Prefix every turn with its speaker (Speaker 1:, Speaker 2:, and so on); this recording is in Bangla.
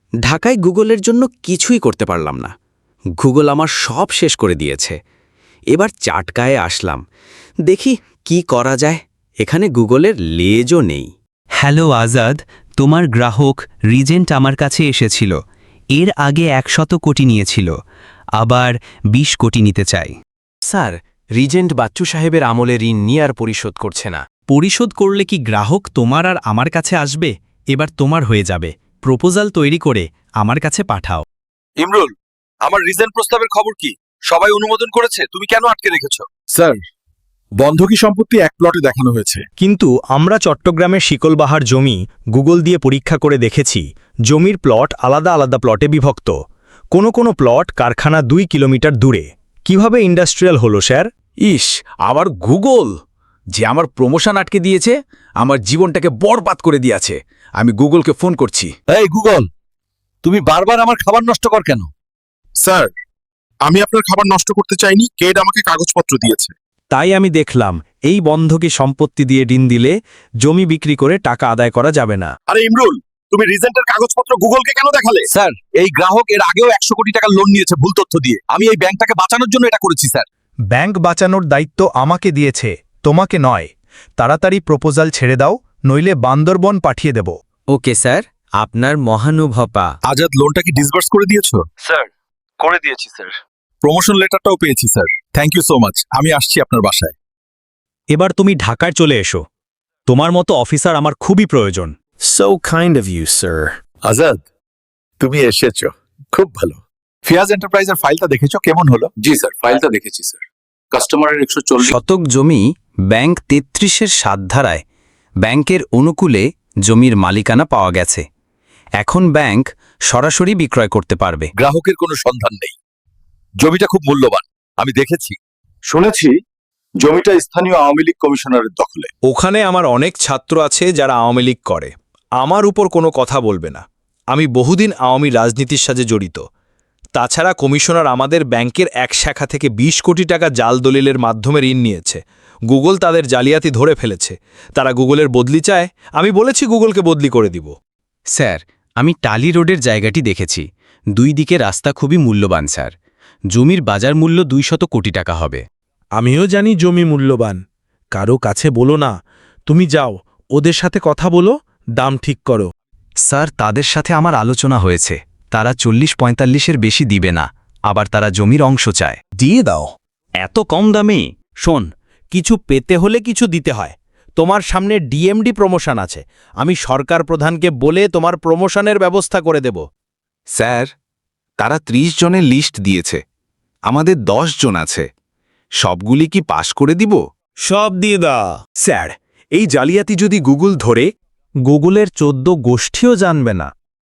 Speaker 1: ঢাকায় গুগলের জন্য কিছুই করতে পারলাম না। গুগল আমার সব শেষ করে দিয়েছে। এবার চাটকায়ে আসলাম, দেখি কি করা যায়। এখানে গুগলের লেজও নেই।
Speaker 2: হ্যালো আজাদ, তোমার গ্রাহক রিজেন্ট আমার কাছে এসেছিল। এর আগে 100 কোটি নিয়েছিল, আবার 20 কোটি নিতে চাই।
Speaker 3: স্যার, রিজেন্ট বাচ্চু সাহেবের আমলে ঋণ নিয়ে আর পরিশোধ করছে না।
Speaker 4: পরিশোধ করলে কি গ্রাহক তোমার আর আমার কাছে আসবে? এবার তোমার হয়ে যাবে। প্রপোজাল তৈরি করে আমার কাছে পাঠাও।
Speaker 5: ইমরুল, আমার রিজেন্ট প্রস্তাবের খবর কি? সবাই অনুমোদন করেছে, তুমি কেন আটকে রেখেছো?
Speaker 6: স্যার, বন্ধকি সম্পত্তি এক প্লটে দেখানো হয়েছে।
Speaker 7: কিন্তু আমরা চট্টগ্রামের শিকলবাহার জমি গুগল দিয়ে পরীক্ষা করে দেখেছি, জমির প্লট আলাদা আলাদা প্লটে বিভক্ত। কোনো প্লট কারখানা 2 কিলোমিটার দূরে। কিভাবে ইন্ডাস্ট্রিয়াল হলো স্যার?
Speaker 8: ইস, আবার গুগল যে আমার প্রমোশন আটকে দিয়েছে, আমার জীবনটাকে বরবাদ করে দিয়েছে। আমি গুগলকে ফোন করছি।
Speaker 5: এই গুগল, তুমি বারবার আমার খাবার নষ্ট কর কেন?
Speaker 6: স্যার, আমি আপনার খাবার নষ্ট করতে চাইনি, কেড আমাকে কাগজপত্র দিয়েছে।
Speaker 7: তাই আমি দেখলাম এই বন্ধকি সম্পত্তি দিয়ে ঋণ দিলে জমি বিক্রি করে টাকা আদায় করা যাবে না।
Speaker 5: আরে ইমরুল, তুমি রিজেন্টের কাগজপত্র গুগলকে কেন দেখালে? স্যার, এই গ্রাহক এর আগেও 100 কোটি টাকা লোন নিয়েছে ভুল তথ্য দিয়ে। আমি এই ব্যাংকটাকে বাঁচানোর জন্য এটা করেছি স্যার।
Speaker 7: ব্যাংক বাঁচানোর দায়িত্ব আমাকে দিয়েছে, তোমাকে নয়। তাড়াতাড়ি প্রপোজাল ছেড়ে দাও, নইলে বান্দরবন পাঠিয়ে দেব।
Speaker 1: ওকে স্যার, আপনার মহানুভপা।
Speaker 5: আজাদ, লোনটা কি ডিসবার্স করে দিয়েছো? স্যার, করে দিয়েছি স্যার। প্রমোশন লেটারটাও পেয়েছি sir. Thank you so much. আমি আসছি আপনার বাসায়।
Speaker 7: এবার তুমি ঢাকায় চলে এসো। তোমার মতো অফিসার আমার খুবই প্রয়োজন।
Speaker 6: So kind of you, sir.
Speaker 5: Azad, তুমি এসেছো, খুব ভালো। ফিয়াজ এন্টারপ্রাইজের ফাইলটা দেখেছো? কেমন হলো?
Speaker 9: জি স্যার, ফাইলটা দেখেছি স্যার। কাস্টমারের 140
Speaker 1: শতক জমি ব্যাংক 33-এর 7 ধারায় ব্যাংকের অনুকূলে জমির মালিকানা পাওয়া গেছে। এখন ব্যাংক সরাসরি বিক্রয় করতে পারবে।
Speaker 5: গ্রাহকের কোনো সন্ধান নেই। জমিটা খুব মূল্যবান, আমি দেখেছি। শুনেছি জমিটা স্থানীয় আওয়ামী লীগ কমিশনারের দখলে।
Speaker 7: ওখানে আমার অনেক ছাত্র আছে যারা আওয়ামী লীগ করে। আমার উপর কোনো কথা বলবে না। আমি বহুদিন আওয়ামী রাজনীতির সাথে জড়িত। তাছাড়া কমিশনার আমাদের ব্যাংকের এক শাখা থেকে 20 কোটি টাকা জাল দলিলের মাধ্যমে ঋণ নিয়েছে। গুগল তাদের জালিয়াতি ধরে ফেলেছে। তারা গুগলের বদলি চায়। আমি বলেছি গুগলকে বদলি করে দিব।
Speaker 3: স্যার, আমি টালি রোডের জায়গাটি দেখেছি। 2 দিকে রাস্তা খুবই মূল্যবান স্যার। জমির বাজার মূল্য 200 কোটি টাকা হবে।
Speaker 10: আমিও জানি জমি মূল্যবান। কারো কাছে বলো না। তুমি যাও, ওদের সাথে কথা বলো, দাম ঠিক করো।
Speaker 2: স্যার, তাদের সাথে আমার আলোচনা হয়েছে। তারা 40-45-এর বেশি দিবে না, আবার তারা জমির অংশ চায়।
Speaker 7: দিয়ে দাও। এত কম দামে? শোন, কিছু পেতে হলে কিছু দিতে হয়। তোমার সামনে ডিএমডি প্রমোশন আছে। আমি সরকার প্রধানকে বলে তোমার প্রমোশনের ব্যবস্থা করে দেব।
Speaker 11: স্যার, তারা 30 জনের লিস্ট দিয়েছে। আমাদের 10 জন আছে। সবগুলি কি পাশ করে দিব?
Speaker 7: সব দিয়ে দাও। স্যার, এই জালিয়াতি যদি গুগল ধরে, গুগলের 14 গোষ্ঠীও জানবে না।